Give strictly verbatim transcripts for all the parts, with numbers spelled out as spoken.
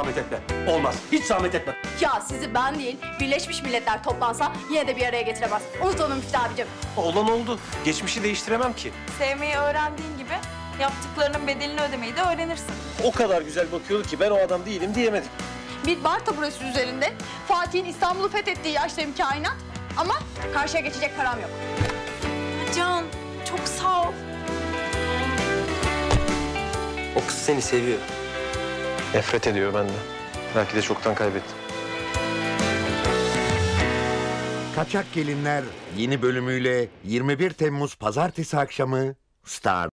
zahmet etme. Olmaz. Hiç zahmet etme. Ya sizi ben değil, Birleşmiş Milletler toplansa yine de bir araya getiremez. Unut onu Müftü abicim. Olan oldu. Geçmişi değiştiremem ki. Sevmeyi öğrendiğin gibi yaptıklarının bedelini ödemeyi de öğrenirsin. O kadar güzel bakıyordu ki ben o adam değilim diyemedim. Bir bar taburesi üzerinde Fatih'in İstanbul'u fethettiği yaştayım kainat. Ama karşıya geçecek param yok. Can, çok sağ ol. O kız seni seviyor. Nefret ediyor benden. Belki de çoktan kaybettim. Kaçak Gelinler yeni bölümüyle yirmi bir Temmuz Pazartesi akşamı Star.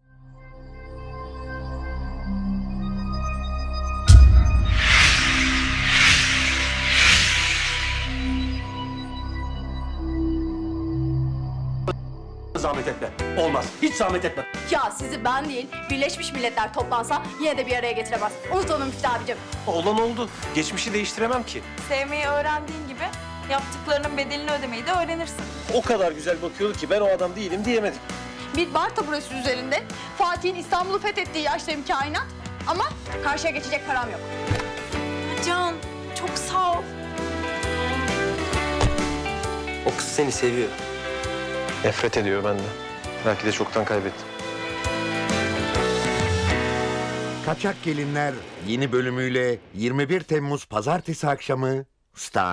Zahmet etme. Olmaz. Hiç zahmet etme. Ya sizi ben değil, Birleşmiş Milletler toplansa yine de bir araya getiremez. Unut onu Müftü abicim. Olan oldu. Geçmişi değiştiremem ki. Sevmeyi öğrendiğin gibi yaptıklarının bedelini ödemeyi de öğrenirsin. O kadar güzel bakıyordu ki ben o adam değilim diyemedim. Bir bar taburesi üzerinde Fatih'in İstanbul'u fethettiği yaştayım kainat. Ama karşıya geçecek param yok. Can, çok sağ ol. O kız seni seviyor. Nefret ediyor benden. Belki de çoktan kaybettim. Kaçak Gelinler yeni bölümüyle yirmi bir Temmuz Pazartesi akşamı Star.